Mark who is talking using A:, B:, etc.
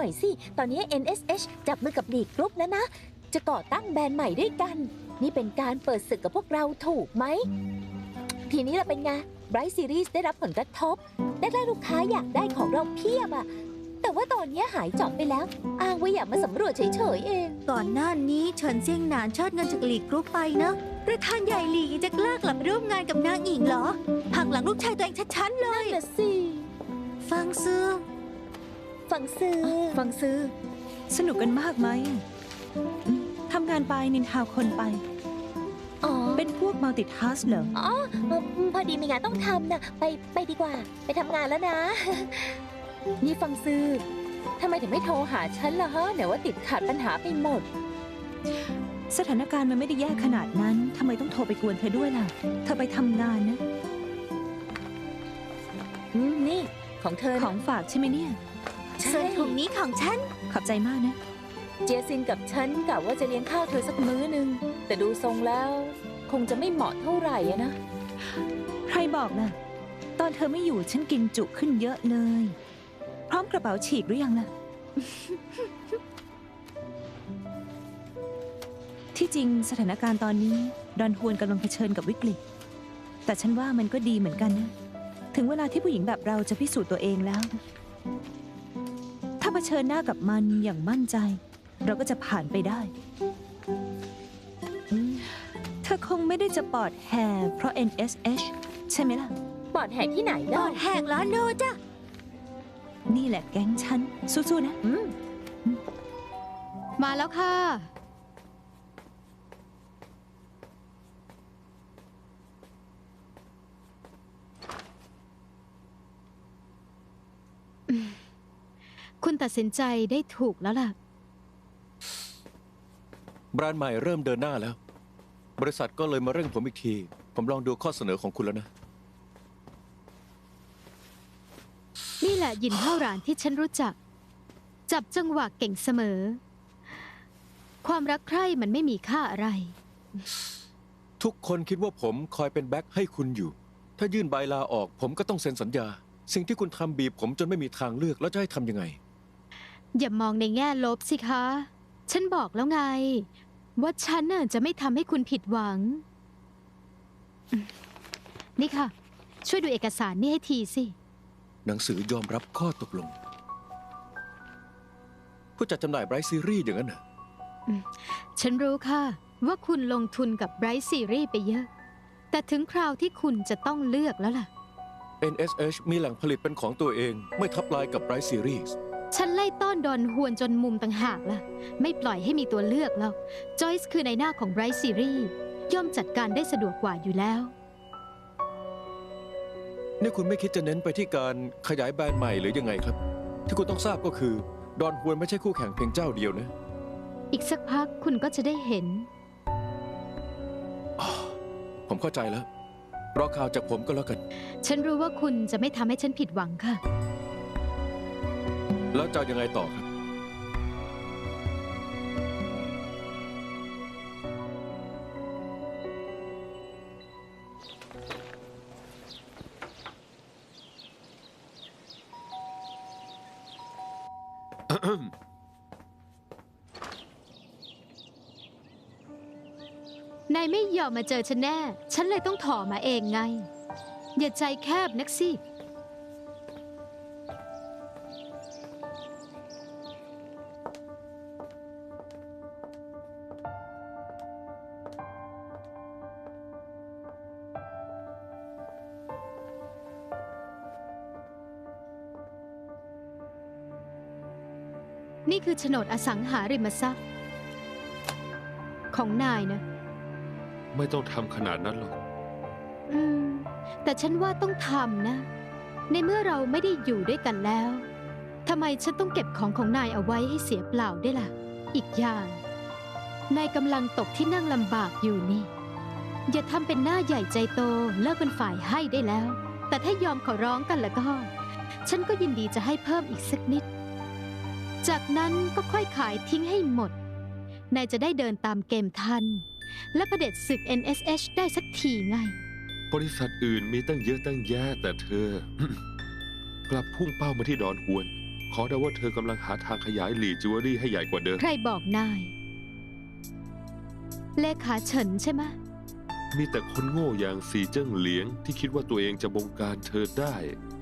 A: น่อยสิตอนนี้ NSH จับมือกับลีกกรุ๊ปแล้วนะจะก่อตั้งแบรนด์ใหม่ด้วยกันนี่เป็นการเปิดศึกกับพวกเราถูกไหมทีนี้เราเป็นไง Bright Series ได้รับผลกระทบได้ลูกค้าอยากได้ของเราเพียบอะแต่ว่าตอนนี้หายจอบไปแล้วอ้างว่าอยากมาสำรวจเฉยๆเอง
B: ก่อนหน้านี้เฉินเซียงหนานเชิดเงินจากหลีกกรุ๊ปไปนะประธานใหญ่หลีจะกล้ากลับไปร่วมงานกับนางอิงเหรอหักหลังลูกชายตัวเองชัดๆเลย
A: นั่นน่ะสิ
B: ฟังซื้อ
C: สนุกกันมากไหมทำงานไปนินทาคนไปเป็นพวกมัลติทัสเหรอ
A: พอดีมีงานต้องทำนะไปดีกว่าไปทำงานแล้วนะนี่ฟังซื้อทำไมถึงไม่โทรหาฉันล่ะฮะไหนว่าติดขัดปัญหาไปหมด
C: สถานการณ์มันไม่ได้แย่ขนาดนั้นทำไมต้องโทรไปกวนเธอด้วยล่ะเธอไปทำงานนะ
A: นี่ของเธอ
C: ของฝากใช่ไหมเนี่ย
B: ส่วนถุงนี้ของฉัน
C: ขอบใจมากนะ
A: เจียซินกับฉันกะว่าจะเลี้ยงข้าวเธอสักมื้อนึงแต่ดูทรงแล้วคงจะไม่เหมาะเท่าไหร่นะ
C: ใครบอกล่ะตอนเธอไม่อยู่ฉันกินจุขึ้นเยอะเลยพร้อมกระเป๋าฉีกหรือยังล่ะ ที่จริงสถานการณ์ตอนนี้ดอนฮวนกำลังเผชิญกับวิกฤตแต่ฉันว่ามันก็ดีเหมือนกันนะถึงเวลาที่ผู้หญิงแบบเราจะพิสูจน์ตัวเองแล้วถ้าเผชิญหน้ากับมันอย่างมั่นใจเราก็จะผ่านไปได้เธอคงไม่ได้จะปอดแหกเพราะ NSH ใช่ไหมล่ะ
A: ปอดแหกที่ไหนล่ะ
B: ปอดแหกแล้วโนจ้ะ
C: นี่แหละแก๊งฉันสู้ๆนะ
B: มาแล้วค่ะคุณตัดสินใจได้ถูกแล้วล่ะ
D: แบรนด์ใหม่เริ่มเดินหน้าแล้วบริษัทก็เลยมาเร่งผมอีกทีผมลองดูข้อเสนอของคุณแล้วนะ
B: นี่แหละหยินเท่าหรานที่ฉันรู้จักจับจังหวะเก่งเสมอความรักใคร่มันไม่มีค่าอะไร
D: ทุกคนคิดว่าผมคอยเป็นแบ็คให้คุณอยู่ถ้ายื่นใบลาออกผมก็ต้องเซ็นสัญญาสิ่งที่คุณทำบีบผมจนไม่มีทางเลือกแล้วจะให้ทำยังไง
B: อย่ามองในแง่ลบสิคะฉันบอกแล้วไงว่าฉันน่ะจะไม่ทำให้คุณผิดหวังนี่ค่ะช่วยดูเอกสารนี่ให้ทีสิ
D: หนังสือยอมรับข้อตกลงผู้จัดจำหน่าย Bright Series อย่างนั้นน่ะ
B: ฉันรู้ค่ะว่าคุณลงทุนกับ Bright Series ไปเยอะแต่ถึงคราวที่คุณจะต้องเลือกแล้วล่ะ
D: NSH มีแหล่งผลิตเป็นของตัวเองไม่ทับลายกับ Bright Series
B: ฉันไล่ต้อนดอนฮวนจนมุมต่างหากล่ะไม่ปล่อยให้มีตัวเลือกแล้วจอยส์คือในหน้าของ Bright Series ย่อมจัดการได้สะดวกกว่าอยู่แล้ว
D: นี่คุณไม่คิดจะเน้นไปที่การขยายแบรนด์ใหม่หรือยังไงครับที่คุณต้องทราบก็คือดอนฮวนไม่ใช่คู่แข่งเพียงเจ้าเดียวนะ
B: อีกสักพักคุณก็จะได้เห็น
D: ผมเข้าใจแล้วรอข่าวจากผมก็แล้วกัน
B: ฉันรู้ว่าคุณจะไม่ทำให้ฉันผิดหวังค่ะ
D: แล้วจะยังไงต่อครับ
B: นายไม่ยอมมาเจอฉันแน่ฉันเลยต้องถอมาเองไงอย่าใจแคบนักสินี่คือโฉนดอสังหาริมทรัพย์ของนายนะ
E: ไม่ต้องทำขนาดนั้นหรอก
B: แต่ฉันว่าต้องทำนะในเมื่อเราไม่ได้อยู่ด้วยกันแล้วทำไมฉันต้องเก็บของนายเอาไว้ให้เสียเปล่าได้ล่ะอีกอย่างนายกำลังตกที่นั่งลำบากอยู่นี่อย่าทำเป็นหน้าใหญ่ใจโตเลิกเป็นฝ่ายให้ได้แล้วแต่ถ้ายอมขอร้องกันแล้วก็ฉันก็ยินดีจะให้เพิ่มอีกสักนิดจากนั้นก็ค่อยขายทิ้งให้หมดนายจะได้เดินตามเกมทันและเผด็จศึก NSH ได้สักทีไง
E: บริษัทอื่นมีตั้งเยอะตั้งแยะแต่เธอ กลับพุ่งเป้ามาที่ดอนฮวนขอเดาว่าเธอกำลังหาทางขยายหลี่จิวเวลรี่ให้ใหญ่กว่าเดิม
B: ใครบอกนาย เลขาเฉินใช่ไหมะ
E: มีแต่คนโง่อย่างสีเจิ้งเหลียงที่คิดว่าตัวเองจะบงการเธอได้